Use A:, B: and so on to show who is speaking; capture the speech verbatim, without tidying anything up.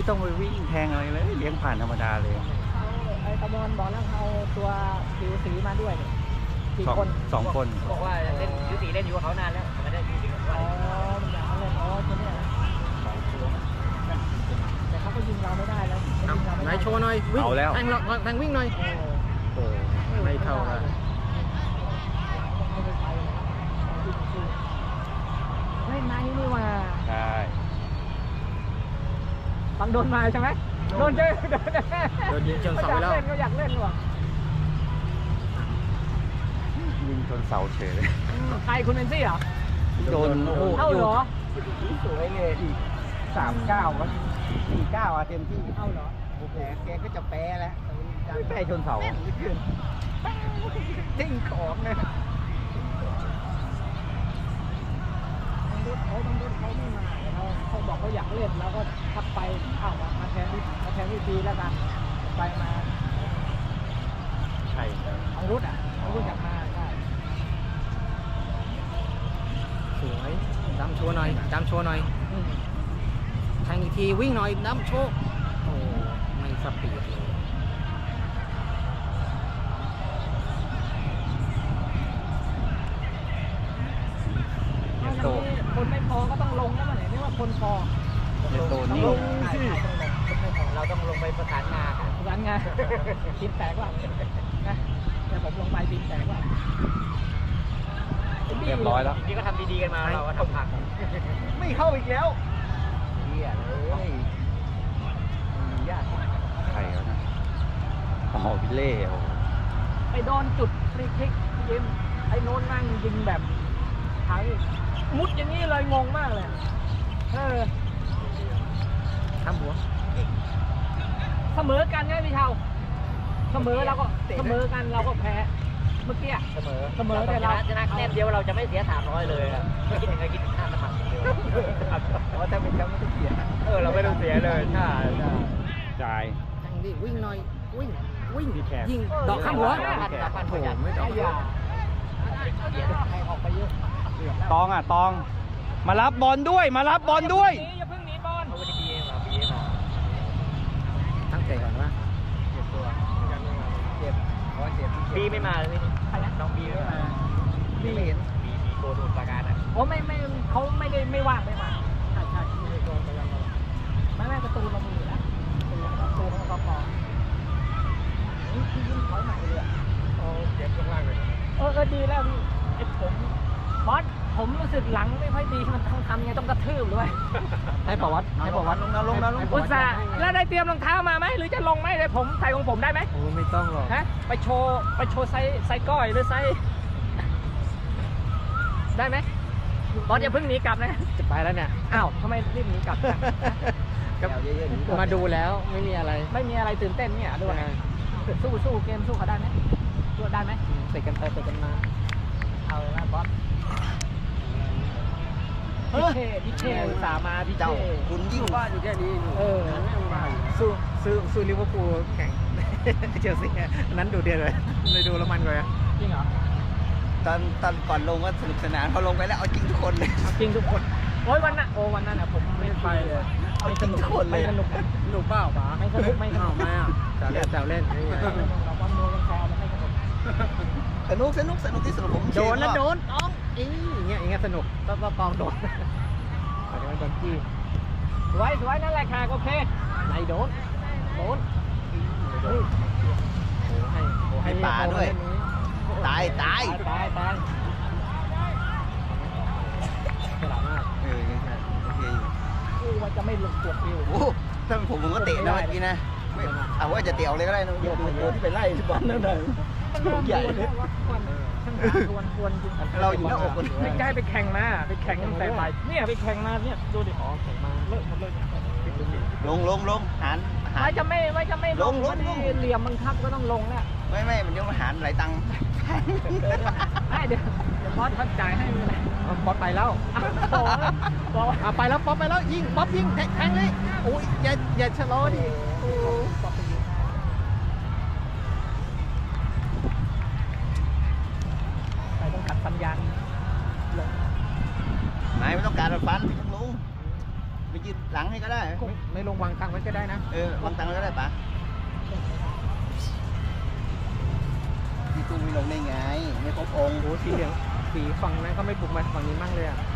A: ต้องไปวิ่งแทงอะไรเลยเลี้ยงผ่านธรรมดาเลย
B: เขาไอ้ตะบอนบอกแล้วเอาตัวผิวสีมาด้วยเนี่ยกี่
A: สอง
B: คน
A: สองคน
C: บอกว่าเล่นยูสีเล่นอยู่กับเขานานแล้วไม่ได้ยูสีกับเขา
B: อ๋อมันอยากเล่นอ๋อตัวเนี้ยนะแต่เขาก็ยิงเราไม่ได้แล้วเขายิงเราไม่
D: ไหน
B: ได้
D: โชว์หน่อยวิ่ง
A: เอาแล้ว
D: แทงเราแทงวิ่งหน่อย
B: โอ้
D: โอ้ไม่เท่ากัน
B: ไม่ได้ไปเลยจริงๆเล่นในนี่ว่า
A: ใช่
B: บังโดนมาใช่ไหมโดนเจอโดน
D: โดนยิงจนเสาไปแล้ว
B: ก็อยากเล่นก็อยากเล่นว่ะ
A: ยิงชนเสาเฉยเลย
B: ใครคุณเอนซี่เหรอ
A: โดนโอ้โห
B: เท่าเหรอ
A: สวยเลยอีกสามเก้าก็สี่เก้าอะเต็มที่
B: เท่าเหรอ
A: โอ้โหแกก็จะแพ้แล้วแพ้ชนเสาทิ้งของเลย
B: บางรุ่นเขาบางรุ่นเขาไม่มาเขาเขาบอกเขาอยากเล่นแล้วก็ทักไปอ้าวมามาแทนที่มาแทนที่ดีแล้วกันไปมา
A: ใช่
B: บางรุ่นอ่ะบางรุ่นอยากมาใช่
D: สวยดำโชว์หน่อยดำโชว์หน่อย
B: อืม
D: แทงอีกทีวิ่งหน่อยดำโชว์โอ้ไม่สปีดเลย
A: เย
B: เอา
A: โต
B: อย่างนี้คนไม่พอก็ต้องลงแล้วมันไหนนี่ว่าคนพอ
A: เยโต
B: ต้อง
A: นี่
B: ลง
C: ใช่
B: สิ
C: ใช่ต้องลงเราต้องลงไปประสานงานกัน
B: ร้านงานบินแตกว่านะแต่ผมลงไปบินแตกว่า
A: เรียบร้อยแล้ว
C: นี่ก็ทำดีๆกันมาเราก็ทำพัง
A: ไม่เข้าอีกแล้วเฮียเลยยากใครวะนะอ๋อวิเล่โอ้
B: ไปโดนจุดฟรีคิกยิมไอ้โน้นนั่งยิงแบบไทยมุดอย่างนี้เลยงงมากเลยเออ
D: ทำหัว
B: เสมอกันใช่ไหมพี่เชาเสมอเราก็เสมอกันเราก็แพ้เมื่อกี้
C: เสมอ
B: เสมอแต่เรา
C: ชนะแต้มเดียวเราจะไม่เสียสามร้อยเลยอะไม่คิดถึงใครคิดถึงค่าสมัครเดียวเพราะถ้าเป็นแชมป์ไม่ต้องเสียเออเราไม่ต้องเสียเลยใช่ใช่
A: จ่าย
D: แทงดิวิ่งหน่อยวิ่งวิ่ง
A: พี่แขก
D: ยิงดอกข้ามหัว
C: พันสามพัน
D: โอ้
C: ประหยัด
D: ไม่ด
B: ไอ้
D: อก
B: ยาให้ออกไปเยอะ
A: ตองอ่ะตอง มารับบอลด้วย มารับบอลด้วย
B: อย่าเพิ่งหนีบอล
C: เขาไม่ได้ปีเองหรอปีเองหรอ
D: ตั้งแต่ก่อนว่า
C: เจ็บตัวเจ็บเพราะเจ็บปีไม่มาเลยพี่น้องปีไม่มาปีไม่เห็นปีปีโกดูประการอ่ะ
B: โอ้ไม่ไม่เขาไม่ได้ไม่ว่างไม่มาใช่ใช่ไม่ได้โดนไปแล้วไม่ไม่ประตูเรามีอยู่แล้วประตูของเราพอนี่ที่ยิ่งถอยใหม่เลยอ่ะ
C: โอ้เจ็บข้างล่างเลย
B: เออเออดีแล้วพี่ไอ้ผมบอสผมรู้สึกหลังไม่ค่อยดีมันต้องทำไงต้องกระทืบด้วย
D: ให้ประวัติให้ประวัติ
A: ลงนะลงนะลงนะ
B: อุตส่าห์แล้วได้เตรียมรองเท้ามาไหมหรือจะลงไหมเดี๋ยวผมใส่ของผมได้ไหม
D: โอ้ไม่ต้องหรอก
B: ฮะไปโชว์ไปโชว์ไซส์ไซส์ก้อยหรือไซส์ได้ไหมบอสอย่าเพิ่งหนีกลับนะ
D: จะไปแล้วเนี่ย
B: อ้าวทำไมรีบหนีกลับจัง
D: ก็มาดูแล้วไม่มีอะไร
B: ไม่มีอะไรตื่นเต้นเนี่ยด้วยสู้สู้เกมสู้เขาได้ไหมสู้ได้ไหม
D: เตะกันไปเตะกันมา
B: เอาเลยนะบอสพี่เช่พี่เช่อุตส่าห์มาพี่เช่
A: คุณยิ่งว่าอยู่แค่นี้
B: เออ
D: สู้สู้สู้ลิเวอร์พูลแข่ง เชลซีอันนั้นดูเดือดเลยเลยดูแล้วมันกว่า
B: จริงเหรอ
A: ตอนตอนก่อนลงก็สนุกสนานพอลงไปแล้วเอาจริงทุกคนเลย
B: จริงทุกคนโอ้ยวันน่ะโอ้วันนั้นอ่ะผมไม่ไปเลย
A: เอาจริงทุกคนเลย
B: ไม่สนุก
D: หนูเปล่าป๋า
B: ไม่สนุกไม่สนุก
D: ไม่อ่ะแซวเล่นแซวเล่น
B: เราบอลโดนกันแซวมันไม่สนุก
A: สนุกสนุกสนุกที่สุดผม
D: โดนแล้วโดนต้องอีอย่างเงี้ยอย่างเงี้ยสนุกต้องต้องตองโดนอาจจะเป็นคนที่
B: สวยสวยนั่นแหละค่ะโอเค
D: ไหนโดน
B: โดน
D: โอ้ให้โอ้ให้
A: ให้ป่าด้วย ตายตาย
B: ตายตาย
D: ฉลาดมาก
A: เออยังโอเคอยู่
B: กูว่าจะไม่ลงตัวฟิว
A: โอ้ถ้าเป็นผมผมก็เตะนะเมื่อกี้นะไม่เอาว่าจะเตะเลยก็ได้นะโยนโยนที่ไปไล่บอลนั่นเลย ใหญ่เลย
B: ควนควนจริง
A: เราอยู่หน้าอกคน
B: ไม่ใช่ไปแข่งมาไปแข่งตั้งแต่บ่ายเนี่ยไปแข่งมาเนี่ยดูดิ
D: อ๋อแข่งมา
B: เลิกหมดเลย
A: ลงลงลงหันหั
B: ว่าน จะไม่ว่าจะไม่
A: ลงลง
B: มัน
A: ลง
B: เหลี่ยมบังคับก็ต้องลงแล้ว
A: ไม่ไม่มันเดี๋ยวมันหันหลายตังค์
B: ไม่เดี๋ยวเดี๋ยวบอสเขาจ่ายให้ไม่เป็นไร
D: ป๊อปไปแล้ว
B: โอ้โหบอกว่า
D: อ่ะไปแล้วป๊อปไปแล้วยิงป๊อปยิงแทงแทงเลยโอ้ยอย่าอย่าชะลอดิโอ้
B: บอกไปยิงไปต้องขัดสัญญาณลง
A: นายไม่ต้องการรถฟันไม่ต้องลงไปยืนหลังให้ก็ได้
D: ไม่ไม่ลงวางตังไว้ก็ได้นะ
A: เออวางตังค์ไว้ก็ได้ปะพี่ตุ้มไม่ลงได้ไง ไม่ครบองค์
D: โอ้สีเหลืองสีฝั่งนั้นก็ไม่บุกมาฝั่งนี้มั่งเลยอ่ะ